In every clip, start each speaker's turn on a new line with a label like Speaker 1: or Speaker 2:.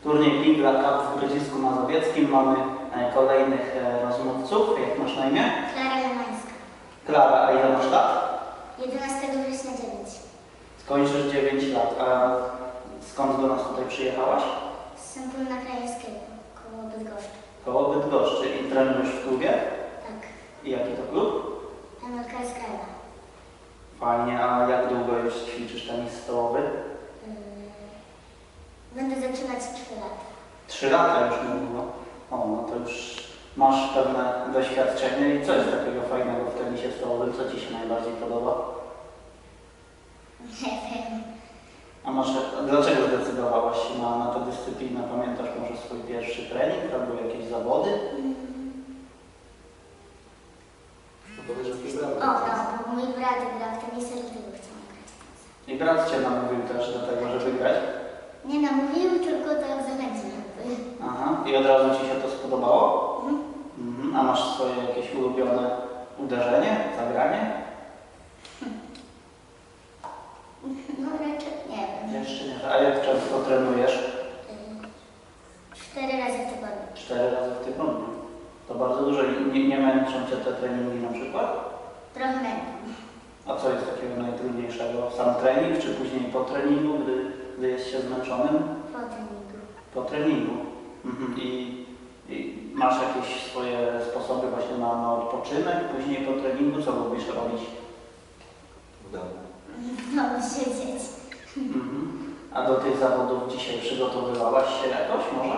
Speaker 1: Turniej Big Cup w Grodzisku Mazowieckim. Mamy kolejnych rozmówców. Jak masz na imię?
Speaker 2: Klara Lemańska.
Speaker 1: Klara, a ile masz lat?
Speaker 2: 11 września 9.
Speaker 1: Skończysz 9 lat. A skąd do nas tutaj przyjechałaś?
Speaker 2: Z Sępólna Krajeńskiego, koło Bydgoszczy.
Speaker 1: Koło Bydgoszczy. I trenujesz w klubie?
Speaker 2: Tak.
Speaker 1: I jaki to klub?
Speaker 2: MLK Skrajna.
Speaker 1: Fajnie. A jak długo już ćwiczysz tenis stołowy?
Speaker 2: Będę zaczynać 3 lata.
Speaker 1: 3 lata już mówiło. O, no to już masz pewne doświadczenie. I co jest takiego fajnego w tenisie stołowym? Co Ci się najbardziej podoba?
Speaker 2: Nie wiem.
Speaker 1: A dlaczego zdecydowałaś się na tę dyscyplinę? Pamiętasz może swój pierwszy trening albo jakieś zawody?
Speaker 2: O, no, bo mój brat grał w tenisa i dlatego chciałam grać w tenisa.
Speaker 1: I brat Cię namówił też do tego, żeby grać?
Speaker 2: Nie namówił, tylko tak zachęcił.
Speaker 1: Aha. I od razu Ci się to spodobało?
Speaker 2: Mhm.
Speaker 1: Mhm. A masz swoje jakieś ulubione uderzenie, zagranie?
Speaker 2: No raczej nie wiem.
Speaker 1: Jeszcze nie. A jak często trenujesz?
Speaker 2: 4 razy w tygodniu.
Speaker 1: 4 razy w tygodniu. To bardzo dużo. Nie męczą Cię te treningi na przykład?
Speaker 2: Trochę męczą.
Speaker 1: A co jest takiego najtrudniejszego? Sam trening, czy później po treningu, gdy jest się zmęczonym?
Speaker 2: Po treningu.
Speaker 1: Po treningu. Mhm. I masz jakieś swoje sposoby właśnie na odpoczynek później po treningu? Co lubisz robić?
Speaker 3: W domu.
Speaker 2: No, siedzieć.
Speaker 1: Mhm. A do tych zawodów dzisiaj przygotowywałaś się jakoś może?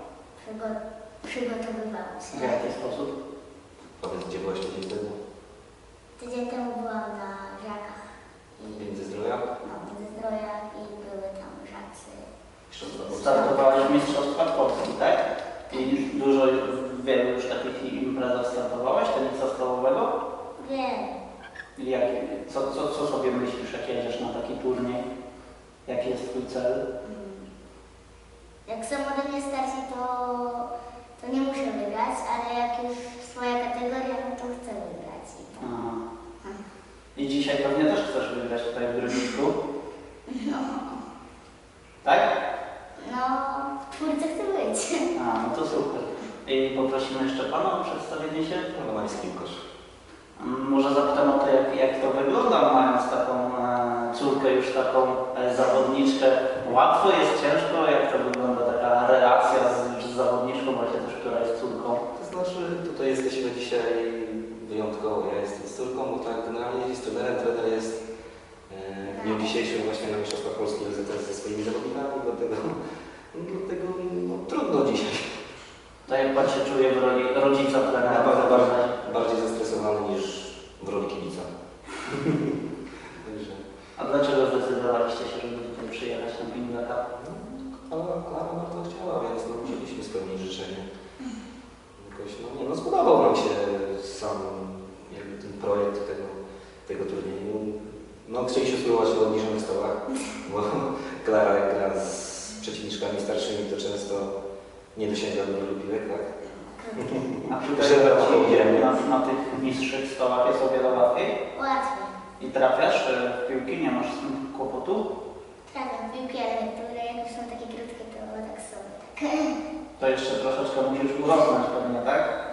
Speaker 2: Przygotowywałam
Speaker 1: W
Speaker 2: się.
Speaker 1: jaki sposób?
Speaker 3: Powiedz, gdzie byłaś tydzień temu?
Speaker 2: Tydzień temu byłam na żakach.
Speaker 3: Międzyzdroja?
Speaker 2: No, Międzyzdroja i były tam żacy.
Speaker 3: Mistrzostwa Polski.
Speaker 1: Startowałaś w Mistrzostwach Polski, tak? I dużo, wielu już takich imprezach startowałaś, tenisa stołowego?
Speaker 2: Wiem.
Speaker 1: I co sobie myślisz, jak jedziesz na taki turniej? Jaki jest Twój cel?
Speaker 2: Jak są ode mnie starsi, to nie muszę wygrać, ale jak już swoja kategoria, no to chcę wygrać.
Speaker 1: Aha. I dzisiaj pewnie też chcesz wygrać tutaj w Grodzisku?
Speaker 2: No,
Speaker 1: Tak?
Speaker 2: no, w czwórce chcę być.
Speaker 1: A, no to super. I poprosimy jeszcze Pana o przedstawienie się.
Speaker 3: Romański kosz.
Speaker 1: Może zapytam o to, jak to wygląda, mając taką córkę, już taką zawodniczkę. Łatwo jest, ciężko? Jak to wygląda taka relacja z zawodniczką, właśnie też, która jest córką?
Speaker 3: To znaczy, tutaj jesteśmy dzisiaj wyjątkowo. Ja jestem z córką, bo tak generalnie jest trenerem. Trener jest w dniu dzisiejszym właśnie na Mistrzostwach Polski ze swoimi zawodnikami, dlatego no, trudno dzisiaj.
Speaker 1: To jak Pan się czuje w roli rodzica trenera?
Speaker 3: Na pewno bardziej zestresowany niż w roli kibica. Także.
Speaker 1: A dlaczego zdecydowaliście się, żeby tutaj przyjechać na Big Cup?
Speaker 3: Ale Klara bardzo chciała, więc no, musieliśmy spełnić życzenie. Jakoś, no, spodobał nam się sam jakby ten projekt tego turnieju. No, chcieliśmy spróbować w obniżonych stołach, bo Klara jak gra z przeciwniczkami starszymi, to często nie dosięga do wielu piłek, tak?
Speaker 1: A tutaj na tych niższych stołach jest o wiele łatwiej?
Speaker 2: Łatwiej.
Speaker 1: I trafiasz w piłki, nie masz z tym kłopotu?
Speaker 2: Trafiam piłki, ale niektóre jak już są takie krótkie, to tak sobie. Tak.
Speaker 1: To jeszcze troszeczkę musisz urosnąć pewnie, tak?